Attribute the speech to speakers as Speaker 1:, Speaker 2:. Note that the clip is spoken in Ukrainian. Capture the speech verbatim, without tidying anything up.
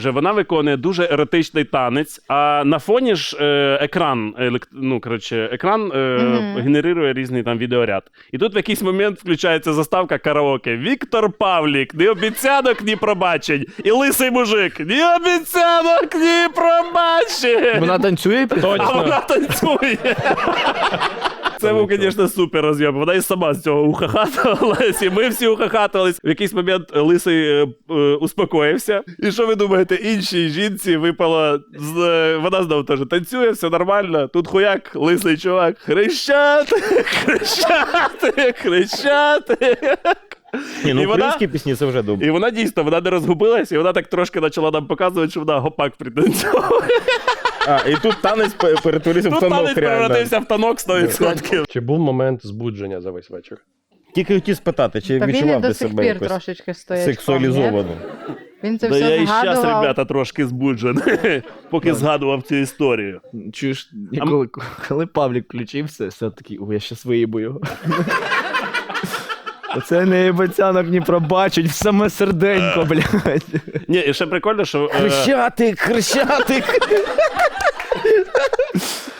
Speaker 1: Вже вона виконує дуже еротичний танець, а на фоні ж е, екран, е, ну, коротше, екран е, mm-hmm. генерує різний там відеоряд. І тут в якийсь момент включається заставка караоке. Віктор Павлік, ні обіцянок, ні пробачень. І лисий мужик, ні обіцянок, ні пробачень.
Speaker 2: Вона танцює?
Speaker 1: Точно. А вона танцює. Це був, звісно, супер роз'єм. Вона і сама з цього ухахатувалась, і ми всі ухахатувались. В якийсь момент лисий е, е, успокоївся. І що ви думаєте, іншій жінці випало, з, е, вона знову теж танцює, все нормально. Тут хуяк, лисий чувак, хрещати, хрещати, хрещати.
Speaker 3: Ні, ну
Speaker 1: і
Speaker 3: українські
Speaker 1: вона,
Speaker 3: пісні це вже добре.
Speaker 1: І вона дійсно, вона не розгубилась, і вона так трошки почала нам показувати, що вона гопак пританцьовує.
Speaker 3: А, і тут танець перетворився в
Speaker 1: Тут
Speaker 3: танок,
Speaker 1: танець
Speaker 3: реально.
Speaker 1: перевратився в танок сто відсотків.
Speaker 4: Чи був момент збудження за весь вечір?
Speaker 3: Тільки хотів спитати, чи
Speaker 5: Та він і
Speaker 3: відчував
Speaker 5: до
Speaker 3: ти
Speaker 5: сих
Speaker 3: себе
Speaker 5: пір
Speaker 3: якось
Speaker 5: трошечки стоїть.
Speaker 3: сексуалізовано?
Speaker 5: Він це
Speaker 1: Да
Speaker 5: все
Speaker 1: я і
Speaker 5: згадував.
Speaker 1: щас, ребята, трошки збуджений, поки згадував цю історію.
Speaker 2: Чуєш, коли, коли Павлік включився, все такий, ой, я щас виїбу його. Оце не єбацянок ні пробачить, в саме серденько, блядь.
Speaker 1: Ні, і ще прикольно, що... е,
Speaker 3: Хрещатик, хрещатик!